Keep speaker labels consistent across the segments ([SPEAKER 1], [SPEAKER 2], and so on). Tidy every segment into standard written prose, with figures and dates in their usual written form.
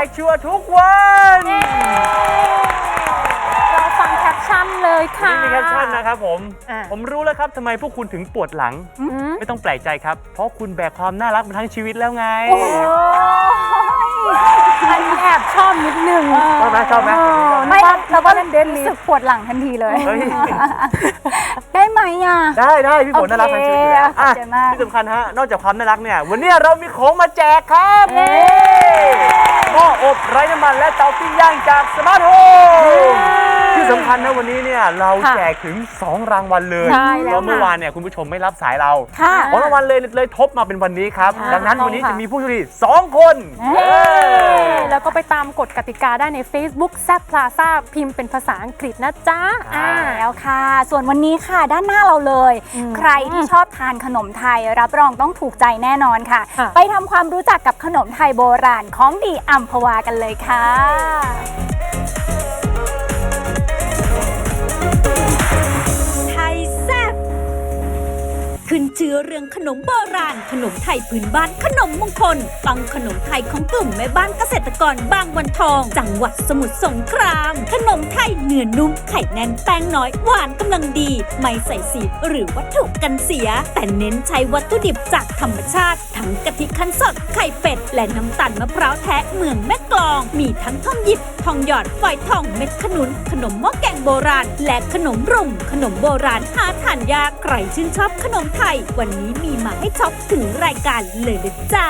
[SPEAKER 1] กชัวร์ทุกวัน
[SPEAKER 2] เราฟังแคปชั่นเลยค่ะ
[SPEAKER 1] นี่มีแคปชั่นนะครับผมรู้แล้วครับทำไมพวกคุณถึงปวดหลังไม่ต้องแปลกใจครับเพราะคุณแบกความน่ารักมาทั้งชีวิตแล้วไง
[SPEAKER 2] อันนี้แอบชอบนิดนึง
[SPEAKER 1] ชอบไหม
[SPEAKER 3] ไม่เราก็รู้สึกปวดหลังทันทีเลยได้ไหมอ่ะ
[SPEAKER 1] ได้พี่ฝนน่ารักทั้งชีวิตเลยที่สำคัญฮะนอกจากความน่ารักเนี่ยวันนี้เรามีของมาแจกครับหม้ออบไร้น้ำมันและเตาปิ้งย่างจากสมาร์ทโฮมที่สำคัญนะวันนี้เนี่ยเราแจกถึง2รางวัลเลยเพราะเมื่อวานเนี่ยคุณผู้ชมไม่รับสายเราของรางวัลเลยทบมาเป็นวันนี้ครับดังนั้นวันนี้จะมีผู้โชคดี2 คน
[SPEAKER 2] แล้วก็ไปตามกฎกติกาได้ใน Facebook แซ่บพลาซ่าพิมพ์เป็นภาษาอังกฤษนะจ๊ะ
[SPEAKER 3] แล้วค่ะส่วนวันนี้ค่ะด้านหน้าเราเลยใครที่ชอบทานขนมไทยรับรองต้องถูกใจแน่นอนค่ะไปทำความรู้จักกับขนมไทยโบราณของดีอัมพวากันเลยค่ะ
[SPEAKER 4] ขึ้นชื่อเรื่องขนมโบราณขนมไทยพื้นบ้านขนมมงคลปังขนมไทยของกลุ่มแม่บ้านเกษตรกรบางวันทองจังหวัดสมุทรสงครามขนมไทยเนื้อนุ่มไข่แน่นแป้งน้อยหวานกำลังดีไม่ใส่สีหรือวัตถุกันเสียแต่เน้นใช้วัตถุดิบจากธรรมชาติทั้งกะทิคั้นสดไข่เป็ดและน้ำตาลมะพร้าวแท้เมืองแม่กลองมีทั้งทองหยิบทองหยอดฝอยทองเม็ดขนุนขนมหม้อแกงโบราณและขนมรุ่มขนมโบราณหาทานยากใครชื่นชอบขนมไทยวันนี้มีมาให้ช็อปถึงรายการเลยนะจ๊ะ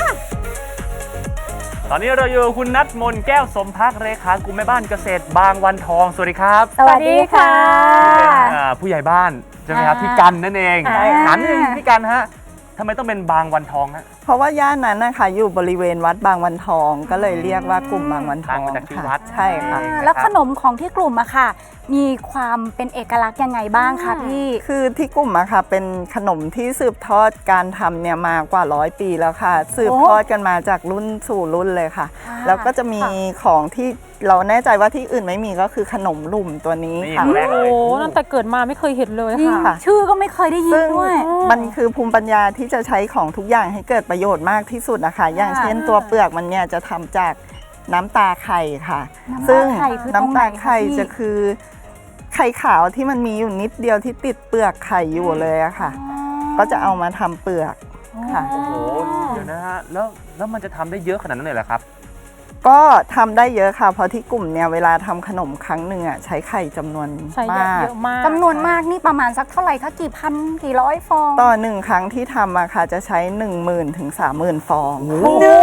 [SPEAKER 1] ตอนนี้เราอยู่คุณนัทมนแก้วสมภักดิ์เลขากลุ่มแม่บ้านเกษตรบางวันทองสวัสดีครับ
[SPEAKER 3] สวัสดีค่ะ
[SPEAKER 1] เป็นผู้ใหญ่บ้านใช่ไหมครับพี่กันนั่นเองถามนิดนึงพี่กันฮะทำไมต้องเป็นบางวันทองฮะ
[SPEAKER 5] เพราะว่าย่านนั้นนะคะอยู่บริเวณวัดบางวันทองก็เลยเรียกว่ากลุ่มบางวันทอง
[SPEAKER 1] ค่ะ
[SPEAKER 5] ใช่ค่ะ
[SPEAKER 3] แล้วขนมของที่กลุ่มอะค่ะมีความเป็นเอกลักษณ์ยังไงบ้างคะพี่
[SPEAKER 5] คือที่กลุ่มอะค่ะเป็นขนมที่สืบทอดการทำเนี่ยมากว่า100 ปีแล้วค่ะสืบทอดกันมาจากรุ่นสู่รุ่นเลยค่ะแล้วก็จะมีของที่เราแน่ใจว่าที่อื่นไม่มีก็คือขนมลุ่มตัวนี้ค่ะ
[SPEAKER 2] โอ้ตั้งแต่เกิดมาไม่เคยเห็นเลยค่ะ
[SPEAKER 3] ชื่อก็ไม่เคยได้ยินด้วย
[SPEAKER 5] มันคือภูมิปัญญาที่จะใช้ของทุกอย่างให้เกิดประโยชน์มากที่สุดนะคะอย่างเช่นตัวเปลือกมันเนี่ยจะทำจากน้ำตาไข่ค่ะซึ่งน้ำตาไข่จะคือไข่ขาวที่มันมีอยู่นิดเดียวที่ติดเปลือกไข่อยู่เลยอะค่ะก็จะเอามาทำเปลือกค่ะ
[SPEAKER 1] โอ้โหเดี๋ยวนะฮะแล้วมันจะทำได้เยอะขนาดนั้นเลยเหรอครับ
[SPEAKER 5] ก็ทำได้เยอะค่ะเพราะที่กลุ่มเนี่ยเวลาทำขนมครั้งหนึ่งอ่ะใช้ไข่จำนวนมาก
[SPEAKER 3] จำนวนมากนี่ประมาณสักเท่าไหร่คะกี่พันกี่ร้อยฟอง
[SPEAKER 5] ต่อ1 ครั้งที่ทำอะค่ะจะใช้ 10,000 ถึง 30,000 ฟอง
[SPEAKER 3] โอ้โห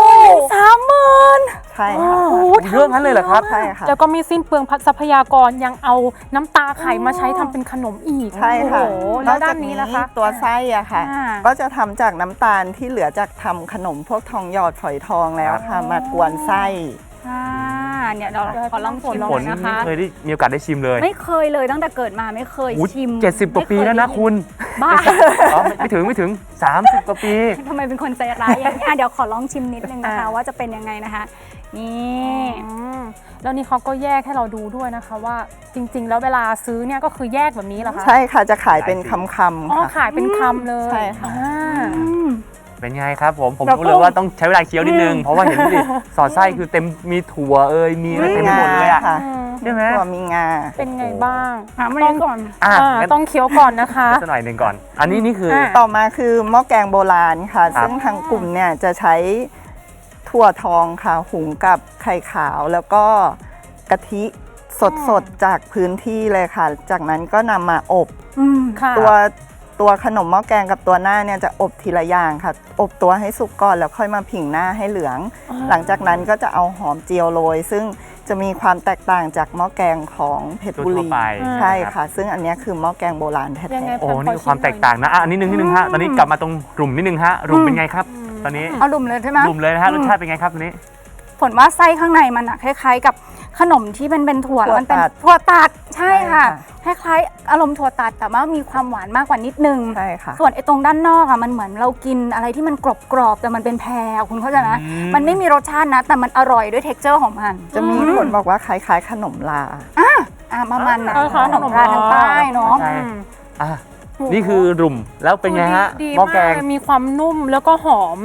[SPEAKER 3] 30,000
[SPEAKER 5] ใช่ค่ะ
[SPEAKER 1] เรื่องนั้นเลยเหรอครับ
[SPEAKER 5] ใช่ค่ะ
[SPEAKER 2] แล้วก็มีสิ้นเปลืองทรัพยากรยังเอาน้ำตาไข่มาใช้ทำเป็นขนมอีก
[SPEAKER 5] ใช่ค่ะ
[SPEAKER 2] แล้วด้านนี้นะคะ
[SPEAKER 5] ตัวไส้อะค่ะก็จะทำจากน้ำตาลที่เหลือจากทำขนมพวกทองหยอดฝอยทองแล้วค่ะมากวนไส้
[SPEAKER 3] เนี่ยเราขอลองชิมนะคะ
[SPEAKER 1] ไม่เคยได้มีโอกาสได้ชิมเลย
[SPEAKER 3] ไม่เคยเลยตั้งแต่เกิดมาไม่เคยชิม
[SPEAKER 1] 70 กว่าปีแล้วนะคุณ
[SPEAKER 3] บ้า
[SPEAKER 1] ไม่ถึง30 กว่าปี
[SPEAKER 3] ทำไมเป็นคนใจร้ายอย่างนี้เดี๋ยวขอลองชิมนิดนึงนะคะว่าจะเป็นยังไงนะคะนี่
[SPEAKER 2] แล้วนี่เขาก็แยกให้เราดูด้วยนะคะว่าจริงๆแล้วเวลาซื้อเนี่ยก็คือแยกแบบนี้เหรอคะ
[SPEAKER 5] ใช่ค่ะจะขายเป็นคำ
[SPEAKER 2] ขายเป็นคำเลย
[SPEAKER 5] ใช่ค่ะ
[SPEAKER 1] เป็นไงครับผมรู้เลยว่าต้องใช้เวลาเคี้ยวนิดนึงเพราะว่าเห็นดิสอดไส้คือเต็มมีถั่วมีอะไรเต็มหมดเลยอ่ะใช่ไหม
[SPEAKER 5] ถั่วมีงา
[SPEAKER 2] เป็นไงบ้าง
[SPEAKER 3] ต้องก่อน
[SPEAKER 2] ต้องเคี้ยวก่อนนะคะ
[SPEAKER 1] สักหน่อยหนึ่งก่อนอันนี้นี่คือ
[SPEAKER 5] ต่อมาคือหม้อแกงโบราณค่ะซึ่งทางกลุ่มเนี่ยจะใช้ถั่วทองค่ะหุงกับไข่ขาวแล้วก็กะทิสดจากพื้นที่เลยค่ะจากนั้นก็นำมาอบตัวขนมหม้อแกงกับตัวหน้าเนี่ยจะอบทีละอย่างค่ะอบตัวให้สุกก่อนแล้วค่อยมาผิงหน้าให้เหลืองหลังจากนั้นก็จะเอาหอมเจียวโรยซึ่งจะมีความแตกต่างจากหม้อแกงของเพชรบุรีใช่ค่ะซึ่งอันนี้คือหม้อแกงโบราณแท้
[SPEAKER 1] ๆโอ้นี่ความแตกต่างนะอันนี้นึงฮะตอนนี้กลับมาตรงรุ่มนิดนึงฮะรุ่มเป็นไงครับตอนนี้
[SPEAKER 3] เอารุ่มเลยใช่ไหม
[SPEAKER 1] รุ่มเลยนะฮะรสชาติเป็นไงครับตอนนี้
[SPEAKER 3] ผลว่าไส้ข้างในมันคล้ายๆกับขนมที่เป็นถั่วมันเป็นถั่วตัดใช่ค่ะคล้ายๆอารมณ์ถั่วตัดแต่ว่ามีความหวานมากกว่านิดนึง
[SPEAKER 5] ใช่ค่ะ
[SPEAKER 3] ส่วนไอ้ตรงด้านนอกมันเหมือนเรากินอะไรที่มันกรอบๆแต่มันเป็นแพรคุณเข้าใจไหมมันไม่มีรสชาตินะแต่มันอร่อยด้วยเท็กเจอร์ของมัน
[SPEAKER 5] จะมีคนบอกว่าคล้ายๆขนมลา
[SPEAKER 3] ประมาณนั้นขนมลาทางใต้เนาะ
[SPEAKER 1] นี่คือรุ่มแล้วเป็นไงฮะหม้อแกง
[SPEAKER 2] มีความนุ่มแล้วก็หอม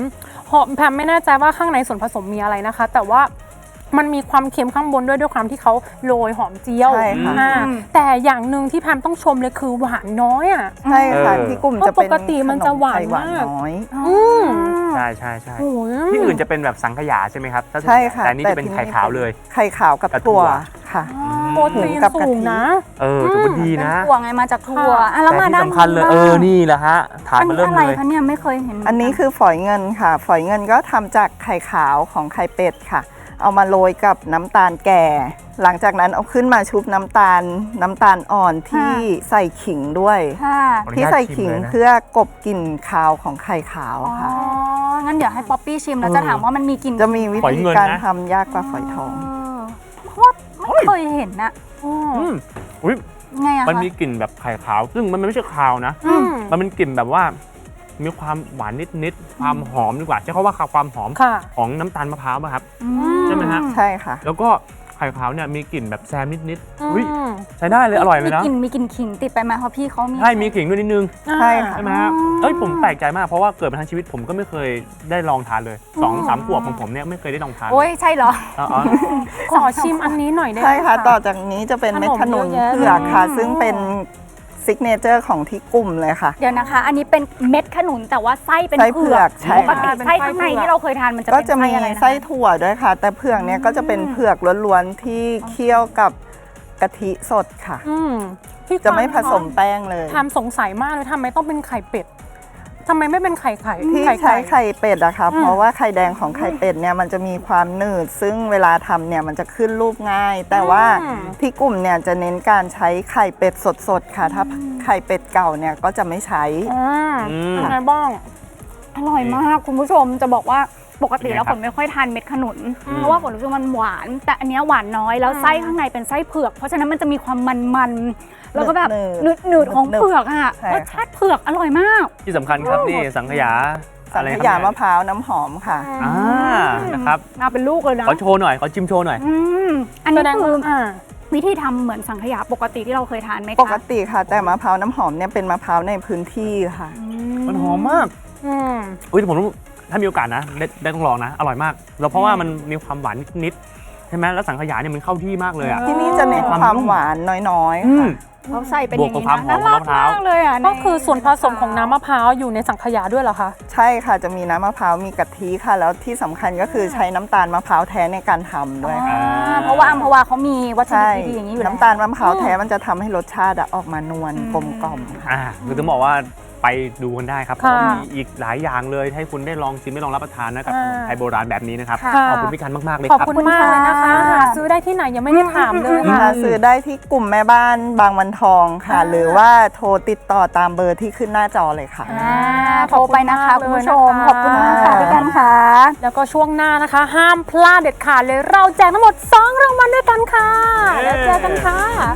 [SPEAKER 2] แพมไม่แน่ใจว่าข้างในส่วนผสมมีอะไรนะคะ แต่ว่ามันมีความเค็มข้างบนด้วยความที่เขาโรยหอมเจียว
[SPEAKER 5] ใช่ค่ะ
[SPEAKER 2] แต่อย่างหนึ่งที่แพมต้องชมเลยคือหวานน้อยอ่ะ
[SPEAKER 5] ใช่ค่ะที่กลุ่มจะเป็น
[SPEAKER 2] เพราะปกติมันจะหวาน
[SPEAKER 5] ขมไทยหวาน
[SPEAKER 2] มาก
[SPEAKER 5] น้อย
[SPEAKER 1] ใช่ใช่ใช่
[SPEAKER 2] โอ้ย
[SPEAKER 1] ที่อื่นจะเป็นแบบสังขยาใช่ไหมครับถ้า
[SPEAKER 5] ใช่ค่ะ
[SPEAKER 1] แต่อันนี่จะเป็นไข่ขาวเลย
[SPEAKER 5] ไข่ขาวกับ
[SPEAKER 1] กับถั่
[SPEAKER 5] ถั่
[SPEAKER 1] ว
[SPEAKER 5] วค่ะ
[SPEAKER 2] โปรตีน
[SPEAKER 5] กับกะทิ
[SPEAKER 2] สูงนะ
[SPEAKER 1] ถือว่าดีนะ
[SPEAKER 3] ถั่วไงมาจากถั่วอ่ะแล้ว
[SPEAKER 1] แต่
[SPEAKER 3] มา
[SPEAKER 1] ที่
[SPEAKER 3] ด้าน
[SPEAKER 1] สำคัญเลย
[SPEAKER 3] บ้าง
[SPEAKER 1] นี่แหละฮะฐาน
[SPEAKER 3] อัน
[SPEAKER 1] มา
[SPEAKER 3] นี้
[SPEAKER 1] เริ่ม
[SPEAKER 3] อะไร
[SPEAKER 1] เลย
[SPEAKER 3] คะเนี่ยไม่เคยเห็น
[SPEAKER 5] อันนี้คือฝอยเงินค่ะ ฝอยเงินก็ทำจากไข่ขาวของไข่เป็ดค่ะ เอามาโรยกับน้ำตาลแก่ หลังจากนั้นเอาขึ้นมาชุบน้ำตาลอ่อนที่ใส่ขิงด้วย
[SPEAKER 3] ค่ะ
[SPEAKER 1] ขออนุญาต
[SPEAKER 5] ที่ใส่ขิง
[SPEAKER 1] ชิมเลยนะ
[SPEAKER 5] เพื่อกลบกลิ่นคาวของไข่ขาว
[SPEAKER 3] อ๋อ
[SPEAKER 5] ค่ะ
[SPEAKER 3] งั้นเดี๋ยวให้ป๊อปปี้ชิมแล้วจะถามว่ามันมีกลิ่น
[SPEAKER 5] จะมีวิ
[SPEAKER 1] ฝอย
[SPEAKER 5] ธี
[SPEAKER 1] เงิน
[SPEAKER 5] การ
[SPEAKER 1] นะ
[SPEAKER 5] ทำยากกว่าฝอยทอง
[SPEAKER 3] เพราะว่าไม่เคยเห็นนะ
[SPEAKER 1] อุ้ย
[SPEAKER 3] ไงอะคะ
[SPEAKER 1] มันมีกลิ่นแบบไข่ขาว ซึ่งมันไม่ใช่คาวนะ มันเป็นกลิ่นแบบว่ามีความหวานนิดๆความหอมดีกว่าใช้คำว่าความหอม
[SPEAKER 2] ค่ะ
[SPEAKER 1] ของน้ำตาลมะพร้าวป่ะครับ
[SPEAKER 3] อื
[SPEAKER 1] ใช่ไหมฮะ
[SPEAKER 5] ใช่ค่ะ
[SPEAKER 1] แล้วก็ไข่ขาวเนี่ยมีกลิ่นแบบแซมนิด
[SPEAKER 2] อืม
[SPEAKER 1] ๆอุ้ยใช้ได้เลยอร่อยเลยนะ
[SPEAKER 3] มีกลิ่นขิงติดไปไหมเพราะพี่เขามี
[SPEAKER 1] ใช่มีขิงด้วยนิดนึง
[SPEAKER 5] ใช่ค่ะ
[SPEAKER 1] ใช่ไหมฮะเอ้ยผมแปลกใจมากเพราะว่าเกิดมาทั้งชีวิตผมก็ไม่เคยได้ลองทานเลย2-3 ขวบของผมเนี่ยไม่เคยได้ลองทาน
[SPEAKER 3] โอ้ยใช่เหรอ
[SPEAKER 1] อ๋อ
[SPEAKER 2] ขอชิมอันนี้หน่อยได้ไหม
[SPEAKER 5] ใช่ค่ะ ต่อจากนี้จะเป็นเม็ดขนุน
[SPEAKER 2] ขนมเยอะแยะ
[SPEAKER 5] เผือกค่ะ
[SPEAKER 2] เลย
[SPEAKER 5] ซึ่งเป็นซิกเนเจอร์ของที่กลุ่มเลยค่ะ
[SPEAKER 3] เดี๋ยวนะคะ อันนี้เป็นเม็ดขนุนแต่ว่าไส้เป็น
[SPEAKER 5] ไส้เผื
[SPEAKER 3] เผื
[SPEAKER 5] อ
[SPEAKER 3] อก ก
[SPEAKER 5] ใช่
[SPEAKER 3] ปกติไส้ข้างในที่เราเคยทานมันจะ
[SPEAKER 5] ก็
[SPEAKER 3] เป็น
[SPEAKER 5] จะมี
[SPEAKER 3] ไส้อะไรนะ
[SPEAKER 5] ไส้ถั่วด้วยค่ะ แต่เผือกเนี่ยก็จะเป็นเผือกล้วนๆที่เคี่ยวกับกะทิสดค่ะ
[SPEAKER 2] พี่
[SPEAKER 5] จะไม่ผสมแป้งเลย
[SPEAKER 2] ทำสงสัยมากเลยทำไมต้องเป็นไข่เป็ดทำไมไม่เป็นไข่ไข่
[SPEAKER 5] ที่ใช้ไข่เป็ดอะค่ะ เพราะว่าไข่แดงของไข่เป็ดเนี่ยมันจะมีความหนืด ซึ่งเวลาทำเนี่ยมันจะขึ้นรูปง่าย แต่ว่าที่กลุ่มเนี่ยจะเน้นการใช้ไข่เป็ดสดๆค่ะ ถ้าไข่เป็ดเก่าเนี่ยก็จะไม่ใช้
[SPEAKER 2] ยังไงบ้าง
[SPEAKER 3] อร่อยมากคุณผู้ชมจะบอกว่าปกติแล้ว
[SPEAKER 1] เป็นไงครับ
[SPEAKER 3] ฝนไม่ค่อยทานเม็ดขนุน เพราะว่าฝนรู้สึกมันหวาน แต่อันเนี้ยหวานน้อยแล้วไส้ข้างในเป็นไส้เผือก เพราะฉะนั้นมันจะมีความมันๆแล้วก็แบบ
[SPEAKER 5] หนืด
[SPEAKER 3] หนืดๆของเผือกอ่ะ
[SPEAKER 5] ใช่
[SPEAKER 3] รสชาติเผือกอร่อยมาก
[SPEAKER 1] ที่สำคัญครับนี่สังขยา
[SPEAKER 5] สังขยามะพร้าวน้ำหอมค่ะ
[SPEAKER 1] นะครับ
[SPEAKER 3] มาเป็นลูกเลยนะ
[SPEAKER 1] ขอโชว์หน่อยขอชิมโชว์หน่อย
[SPEAKER 3] อัน
[SPEAKER 2] แส
[SPEAKER 3] นี้
[SPEAKER 2] ดง
[SPEAKER 3] คือ
[SPEAKER 2] ว่า
[SPEAKER 3] วิธีทำเหมือนสังขยาปกติที่เราเคยทานไหมคะ
[SPEAKER 5] ปกติค่ะ แต่มะพร้าวน้ำหอมเนี่ยเป็นมะพร้าวในพื้นที่ค่ะ
[SPEAKER 1] มันหอมมากอุ้ยผมถ้ามีโอกาสนะได้ต้องลองนะ อร่อยมากแล้วเพราะว่ามันมีความหวานนิดๆใช่ไหมแล้วสังขยาเนี่ยมันเข้าที่มากเลยอ่ะ
[SPEAKER 5] ที่นี่จะเน้นความหวานน้อยๆค่ะ
[SPEAKER 3] เขาใส่เป็นอย่างนี้
[SPEAKER 1] บวกกับความหอม
[SPEAKER 3] นะน่ารั
[SPEAKER 1] ของมะพร้าว
[SPEAKER 3] มากเลยอ่ะ
[SPEAKER 2] ก็คือส่วนผสมของน้ำมะพร้าวอยู่ในสังขยาด้วยเหรอคะ
[SPEAKER 5] ใช่ค่ะจะมีน้ำมะพร้าวมีกะทิค่ะ แล้วที่สำคัญก็คือใช้น้ำตาลมะพร้าวแท้ในการทำด้วยค่ะ
[SPEAKER 3] เพราะว่าอัมพวาเขามีวัตถุ
[SPEAKER 5] ใช่
[SPEAKER 3] ดิบดีๆอย่างนี้อยู่แล้ว
[SPEAKER 5] น้ำตาลมะพร้าวแท้มันจะทำให้รสชาติอะออกมานวลกลมกล่อมค่ะ
[SPEAKER 1] คือต้องบอกว่าไปดูกันได้ครับเพ
[SPEAKER 2] ค่ะ
[SPEAKER 1] ราะว่ามีอีกหลายอย่างเลยให้คุณได้ลองชิมได้ลองรับประทานนะกับขนมไทยโบราณแบบนี้นะครับ
[SPEAKER 2] ค่ะ
[SPEAKER 1] ขอบคุณพี่กันมากๆเลย
[SPEAKER 2] ขอบ
[SPEAKER 1] ครับ
[SPEAKER 2] คุณมากเลยนะคะหาซื้อได้ที่ไหนยังไม่ได้ถามเลยค่ะ
[SPEAKER 5] หาซื้อได้ที่กลุ่มแม่บ้านบางวันทองค่ะ หรือว่าโทรติดต่อตามเบอร์ที่ขึ้นหน้าจอเลยค่ะ
[SPEAKER 3] โทรไปนะคะคุณผู้ชม ขอบคุณมากค่ะพี่กันค่ะ
[SPEAKER 2] แล้วก็ช่วงหน้านะคะ ห้ามพลาดเด็ดขาดเลยเราแจกทั้งหมด 2 รางวัลด้วยกันค่ะ แล้วเจอกันค่ะ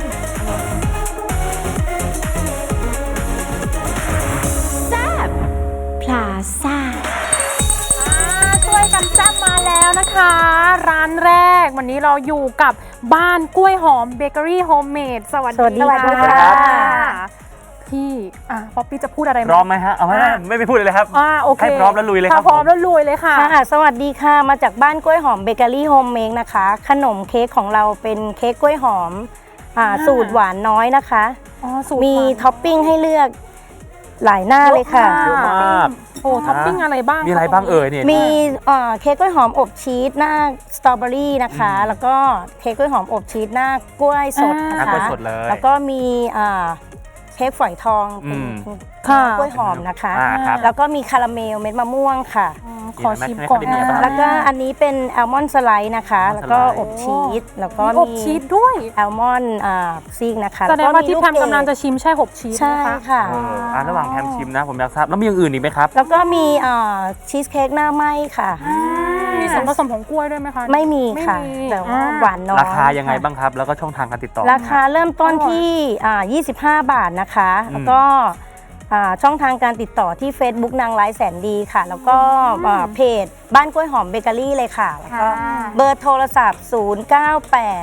[SPEAKER 4] พลาซ่า
[SPEAKER 2] ช่วยกันแซ่บมาแล้วนะคะ ร้านแรกวันนี้เราอยู่กับบ้านกล้วยหอมเบเกอรี่โฮมเมดสวัสดี
[SPEAKER 3] สวัสดีค่ะ
[SPEAKER 2] พี่ป๊อปปี้จะพูดอะไรไหม
[SPEAKER 1] พร้อมไหมฮะเอาไหมไม่พูดเลยครับ
[SPEAKER 2] โอเค
[SPEAKER 1] ให้พร้อมแล้วลุยเลยครับ
[SPEAKER 2] พร้อมแล้วลุยเลยค่ะ
[SPEAKER 6] ค่ะสวัสดีค่ะ มาจากบ้านกล้วยหอมเบเกอรี่โฮมเมดนะคะ ขนมเค้กของเราเป็นเค้กกล้วยหอมสูตรหวานน้อยนะคะ
[SPEAKER 2] สูตร
[SPEAKER 6] มี
[SPEAKER 2] หวาน
[SPEAKER 6] ท็อปปิ้งให้เลือกหลายหน้าเลยค่ะ
[SPEAKER 1] เยอะมาก
[SPEAKER 2] โอ้ท็อปปิ้งอะไรบ้าง
[SPEAKER 1] มีอะไรบ้างเอ่ยเนี่ย
[SPEAKER 6] มีเค้กกล้วยหอมอบชีสหน้าสตรอเบอรี่นะคะ แล้วก็เค้กกล้วยหอมอบชีสหน้ากล้วยสดนะ
[SPEAKER 1] กล้
[SPEAKER 6] คะ
[SPEAKER 1] วยสดเลย
[SPEAKER 6] แล้วก็มีเค้กฝอยทองเป็น
[SPEAKER 2] ค่ะ
[SPEAKER 6] กล้วยหอมนะคะ
[SPEAKER 1] ครับ
[SPEAKER 6] แล้วก็มีคาราเมลเม็ดมะม่วงค่ะ
[SPEAKER 2] ขอชิมก่อน
[SPEAKER 1] เป็นยังไงบ้าง
[SPEAKER 6] แล้วก็อันนี้เป็นแอลมอนด์สไลด์นะคะ
[SPEAKER 1] อัลมอนด์
[SPEAKER 6] แล้วก็
[SPEAKER 1] สไลด์
[SPEAKER 6] อบชีส แล้วก็
[SPEAKER 2] มีอบชีสด้วย
[SPEAKER 6] แอลมอนด์ซีกนะคะ
[SPEAKER 2] แสดงว่าที่
[SPEAKER 6] ลู
[SPEAKER 2] แพมกำลังจะชิมใช่หกชีส
[SPEAKER 6] ใช่
[SPEAKER 2] นะคะ
[SPEAKER 6] ค่ะ
[SPEAKER 1] ระหว่างแพมชิมนะผมอยากทราบแล้วมีอย่างอื่นอีกไหมครับ
[SPEAKER 6] แล้วก็มีชีสเค้กหน้าไหม้ค่ะ
[SPEAKER 2] มีส่วนผสมของกล้วยด้วยไหมคะ
[SPEAKER 6] ไม่มีค่ะ
[SPEAKER 2] ไม่มี
[SPEAKER 6] แต่ว่าหวานน้อย
[SPEAKER 1] ราคายังไงบ้างครับ แล้วก็ช่องทางการติดต่อ
[SPEAKER 6] ราคาเริ่มต้นที่25 บาทนะคะ แล้วก็ช่องทางการติดต่อที่ Facebook นางร้ายแสนดีค่ะ แล้วก็เพจบ้านกล้วยหอมเบเกอรี่เลยค่ะ แล้วก็เบอร์โทรศัพท์ 098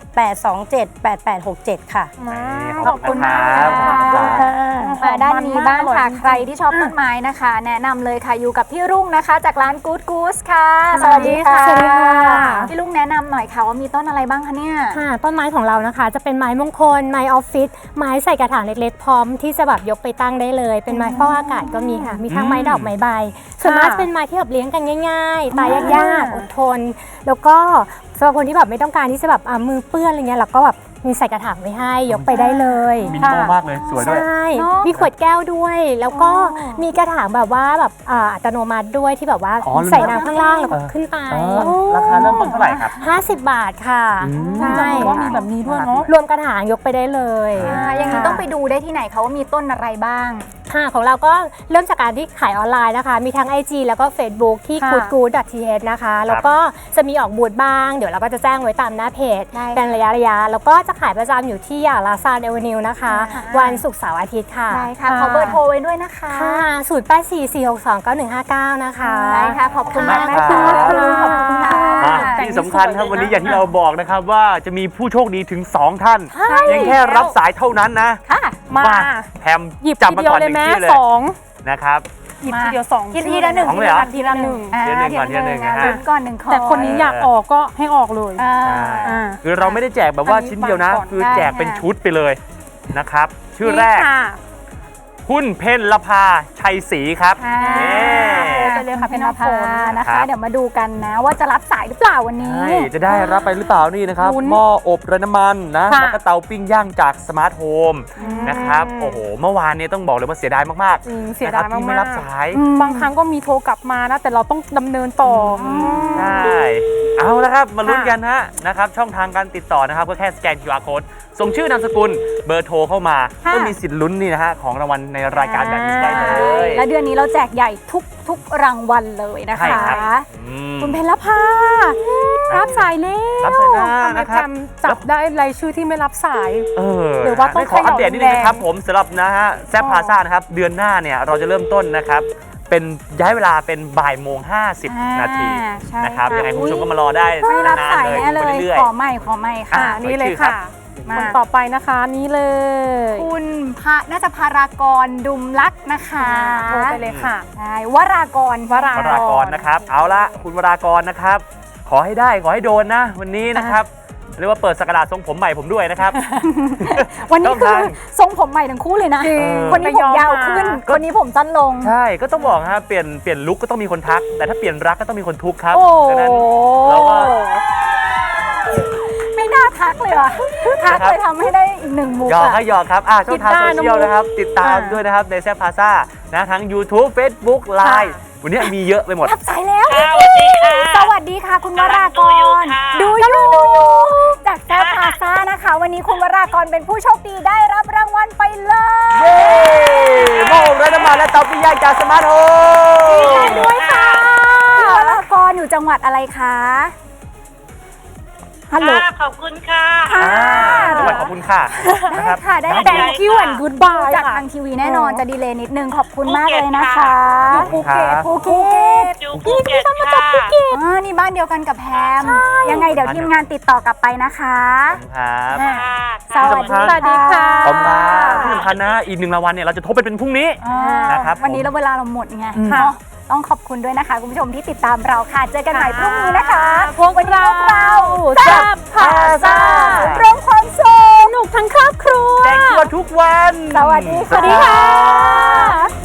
[SPEAKER 6] 08278867 ค่ะ
[SPEAKER 2] ขอบคุณมาก
[SPEAKER 1] ครับ
[SPEAKER 3] มาด้านนี้บ้างค่ะ
[SPEAKER 2] มันมาก
[SPEAKER 3] ใครที่ชอบต้นไม้นะคะ แนะนำเลยค่ะอยู่กับพี่รุ่งนะคะ จากร้าน Good Goose ค่ะ
[SPEAKER 2] สวัสดีค่ะ
[SPEAKER 3] สวัสดีค่ะพี่รุ่งแนะนำหน่อยค่ะว่ามีต้นอะไรบ้างคะเนี่ย
[SPEAKER 7] ค่ะต้นไม้ของเรานะคะจะเป็นไม้มงคลไม้ออฟฟิศไม้ใส่กระถางเล็กๆพร้อมที่จะแบบยกไปตั้งได้เลย เป็นไม้ฟอกอากาศก็มีค่ะ มีทั้งไม้ดอกไม้ใบส่วนมากจะเป็นไม้ที่แบบเลี้ยงกันง่ายๆตายยากๆอดทน แล้วก็สำหรับคนที่แบบไม่ต้องการที่จะแบบมือเปื้อนอะไรเงี้ยเราก็แบบมีใส่กระถางไว้ให้ยกไปได้เลย
[SPEAKER 1] มินิมอลมากเลยสวยด้วย
[SPEAKER 7] ใช่
[SPEAKER 3] เนอะ
[SPEAKER 7] มีขวดแก้วด้วย แล้วก็มีกระถางแบบว่าแบบอัตโนมัติด้วยที่แบบว่า
[SPEAKER 1] อ๋อ
[SPEAKER 7] ใส่น้ำข้างล่างแล้วก็ขึ้นไป
[SPEAKER 1] ราคาเริ่มต้นเท่าไหร่ครับ
[SPEAKER 7] 50 บาทค่ะ
[SPEAKER 2] ใช่ว่ามีแบบนี้ด้วยเนาะ
[SPEAKER 7] รวมกระถางยกไปได้เลย
[SPEAKER 3] อย่างนี้ต้องไปดูได้ที่ไหนคะว่ามีต้นอะไรบ้าง
[SPEAKER 7] ค่ะของเราก็เริ่มจากการที่ขายออนไลน์นะคะ มีทั้ง IG แล้วก็ Facebook ที่
[SPEAKER 2] ค่ะ
[SPEAKER 7] goodgood.th นะคะ แล้วก็จะมีออกบูธบ้าง เดี๋ยวเราก็จะแจ้งไว้ตามหน้าเพจ
[SPEAKER 3] ได้ค่ะ
[SPEAKER 7] เป็นระยะแล้วก็จะขายประจำอยู่ที่ลาซานเอเวนิวนะคะ
[SPEAKER 3] ค่ะ
[SPEAKER 7] วันศุกร์เสาร์อาทิตย์ค่ะ
[SPEAKER 3] ได้ค่ะขอเบอร์โทรไว้ด้วยนะคะ
[SPEAKER 7] ค่ะ0844629159 นะคะ
[SPEAKER 3] ได้ค่ะขอบคุณมาก
[SPEAKER 1] ขอบคุณ
[SPEAKER 3] นะคะ
[SPEAKER 1] มาก
[SPEAKER 3] ขอบคุณค่ะ
[SPEAKER 1] ที่สำคัญครับวันนี้อย่างที่เราบอกนะครับว่าจะมีผู้โชคดีถึง 2 ท่านเพียงแค่รับสายเท่านั้นนะ
[SPEAKER 3] ค่ะ
[SPEAKER 2] มา
[SPEAKER 1] แพม
[SPEAKER 2] หยิบ
[SPEAKER 1] จับ
[SPEAKER 2] ที
[SPEAKER 1] มา
[SPEAKER 2] เดียว
[SPEAKER 1] ก่อน
[SPEAKER 2] เล
[SPEAKER 1] ห
[SPEAKER 2] ย
[SPEAKER 1] นึ่ง
[SPEAKER 2] แม่
[SPEAKER 1] ชื่อเลย
[SPEAKER 2] สอง
[SPEAKER 1] นะครับ
[SPEAKER 2] หยิบทีเดียวสอง
[SPEAKER 3] ทีละหนึ่ง
[SPEAKER 1] สองเลยเหรอ
[SPEAKER 3] ทีละหนึ่ง
[SPEAKER 1] เดี๋ยวหนึ่งก่อนเดี๋ยวหนึ่งนะฮะ
[SPEAKER 3] ลุ้นก่อนหนึ่งคน
[SPEAKER 2] แต่คนนี้อยากออกก็ให้ออกเลย
[SPEAKER 3] อ่า
[SPEAKER 2] อ่า
[SPEAKER 1] คือเราไม่ได้แจกแบบว่า
[SPEAKER 2] อันนี้
[SPEAKER 1] ชิ้นเดียวนะ
[SPEAKER 2] ฟังก่อน
[SPEAKER 1] คือแจกเป็น
[SPEAKER 3] ได้ค่ะ
[SPEAKER 1] ชุดไปเลยนะครับ ชื่อแรก
[SPEAKER 2] นี่ค่ะ
[SPEAKER 1] คุณเพญลภาชัยศรีครับ
[SPEAKER 3] ค่ะ
[SPEAKER 1] นี่
[SPEAKER 2] ไปเลยค่ะพี่น้ำฝน
[SPEAKER 3] นะ
[SPEAKER 1] ครั
[SPEAKER 3] คะ
[SPEAKER 1] บ
[SPEAKER 3] เดี๋ยวมาดูกันนะว่าจะรับสายหรือเปล่าวันนี้
[SPEAKER 1] ใช่จะได้รับไปหรือเปล่านี่นะครับ
[SPEAKER 2] ลุ้น
[SPEAKER 1] หม้ออบไร้น้ำมันนะ
[SPEAKER 2] ค่ะ
[SPEAKER 1] แล้วก็เตาปิ้งย่างจากสมาร์ทโฮมนะครับโอ้โหเมื่อวานเนี้ต้องบอกเลยว่าเสียดายมาก
[SPEAKER 2] จริง
[SPEAKER 1] ๆ
[SPEAKER 2] เสีย
[SPEAKER 1] นะค
[SPEAKER 2] ดา
[SPEAKER 1] รั
[SPEAKER 2] ย
[SPEAKER 1] ที่ไม่
[SPEAKER 2] มา
[SPEAKER 1] รั
[SPEAKER 2] ก
[SPEAKER 1] บสาย
[SPEAKER 2] ๆบางครั้งก็มีโทรกลับมานะ แต่เราต้องดำเนินต่ออ
[SPEAKER 1] ใช่เอาละครับมาลุ้นกันฮะนะครับช่องทางการติดต่อนะครับก็แค่สแกน QR code ส่งชื่อนามสกุลเบอร์โทรเข้ามา
[SPEAKER 2] ค่ะ
[SPEAKER 1] ก็มีสิทธิ์ลุ้นนี่นะฮะของรางวัลในรายการแบบนี้ได้เลย
[SPEAKER 3] และเดือนนี้เราแจกใหญ่ทุกรางวัลเลยนะ
[SPEAKER 1] ใช่
[SPEAKER 3] คะ
[SPEAKER 1] ครับอืม
[SPEAKER 3] คุณเพญรภา
[SPEAKER 2] รับสายแล้ว
[SPEAKER 1] รับสายหน้า
[SPEAKER 2] ทำไม
[SPEAKER 1] นะครับ
[SPEAKER 2] แพมจับได้รายชื่อที่ไม่รับสาย หรือว่าต้อง
[SPEAKER 1] ขออัปเดตนิดนึง
[SPEAKER 2] เขย่า
[SPEAKER 1] นะครับผมสำหรับนะฮะแซฟพาซ่านะครับเดือนหน้าเนี่ยเราจะเริ่มต้นนะครับเป็นย้ายเวลาเป็นบ่ายโมง50 นาที
[SPEAKER 3] ใช่
[SPEAKER 1] นะครับ
[SPEAKER 3] ค่ะ
[SPEAKER 1] ยังไงคุณผู้ชมก็มารอได้
[SPEAKER 3] ไม่รับ
[SPEAKER 1] นาน
[SPEAKER 3] สาย
[SPEAKER 1] ๆเลย
[SPEAKER 3] แน่เล
[SPEAKER 1] ดูไป
[SPEAKER 3] ย
[SPEAKER 1] เรื่อย
[SPEAKER 3] ขอใหม่ค่ะ
[SPEAKER 1] อ่ะ
[SPEAKER 2] นี่เลย
[SPEAKER 1] ขอชื่อครั
[SPEAKER 2] ค่ะ
[SPEAKER 1] บ
[SPEAKER 2] คนต่อไปนะคะนี่เลย
[SPEAKER 3] คุณน่าจะพารากรดุมลักษณ์นะคะ
[SPEAKER 2] โทรไปเลยค่ะ
[SPEAKER 3] ใช่วรากร
[SPEAKER 2] วราก
[SPEAKER 1] วรากรนะครับเอาละคุณวรากรนะครับขอให้ได้ขอให้โดนนะวันนี้นะครับเรียกว่าเปิดสกราชทรงผมใหม่ผมด้วยนะครับ
[SPEAKER 3] วันนี้
[SPEAKER 1] ช่อง
[SPEAKER 3] คือ
[SPEAKER 1] ทาง
[SPEAKER 3] ทรงผมใหม่ทั้งคู่เลยนะ
[SPEAKER 2] จริง
[SPEAKER 3] คนนี้ผมยาวขึ้น คนนี้ผมสั้นลง
[SPEAKER 1] ใช่ก็ต้องบอกฮะเปลี่ยนลุคก็ต้องมีคนทัก แต่ถ้าเปลี่ยนรักก็ต้องมีคนทุกข์ครับ
[SPEAKER 3] โอ้
[SPEAKER 1] ดังนั้นเราก็
[SPEAKER 3] ไม่น่าทักเลยว่ะทักเลยทำให้ได้อีกหนึ่งมุก
[SPEAKER 1] หยอก
[SPEAKER 3] อะ
[SPEAKER 1] ให้หยอกครับช่องทาง
[SPEAKER 2] คิดได้
[SPEAKER 1] โซเชียล
[SPEAKER 2] นะมุก
[SPEAKER 1] นะครับ ติดตาม
[SPEAKER 2] ค่ะ
[SPEAKER 1] ด้วยนะครับในแซฟพาซ่านะทั้ง YouTube Facebook Line วันนี้มีเยอะไปหมด
[SPEAKER 3] รับสายแล้ว สวัสดีค่ะ คุณวรากร ดูอยู่จากแซฟพาซ่านะคะ วันนี้คุณวรากรเป็นผู้โชคดีได้รับรางวัลไปเลย
[SPEAKER 1] เย้หม้ออบไร้น้ำมันและเตาปิ้งย่างจากสมาร์ทโฮม
[SPEAKER 3] ด้วยค่ะคุณวรากรอยู่จังหวัดอะไรคะฮัลโหล
[SPEAKER 8] ขอบคุณค่ะ
[SPEAKER 3] ค่ะ
[SPEAKER 1] จังหวัดขอบคุณค่ะนะครับ
[SPEAKER 3] ค่ะได้
[SPEAKER 8] ได้
[SPEAKER 2] Thank you and goodbye
[SPEAKER 3] จาก
[SPEAKER 2] ค่ะ
[SPEAKER 3] ทางทีวีแน่นอนจะดีเลย์นิดนึงขอบคุณมากเลยนะคะ
[SPEAKER 1] ภูเก็ต
[SPEAKER 3] ภูเก็ต
[SPEAKER 8] อยู่ภูเก็ตค่ะ
[SPEAKER 3] นี่บ้านเดียวกันกับแพมยังไงเดี๋ยวทีมงานติดต่อกลับไปนะคะ
[SPEAKER 1] ครับ
[SPEAKER 3] สวัสดี
[SPEAKER 2] สวัสดีค่ะ
[SPEAKER 1] ขอบคุณครับที่สำคัญนะอีก1รางวัลเนี่ยเราจะทบไปเป็นพรุ่งนี้ นะครับ
[SPEAKER 3] วันนี้เราเวลาเราหมดไงเนาะต้องขอบคุณด้วยนะคะ คุณผู้ชมที่ติดตามเราค่ะ เจอกันใหม่พรุ่งนี้นะคะ
[SPEAKER 2] พวกเรา
[SPEAKER 3] แซ่บพาซ่าร่วมความสุข
[SPEAKER 2] สนุกทั้งครอบครัว
[SPEAKER 1] แจกตัวทุกวัน
[SPEAKER 3] สวัสดีค่ะ
[SPEAKER 2] สวัสดีค่ะ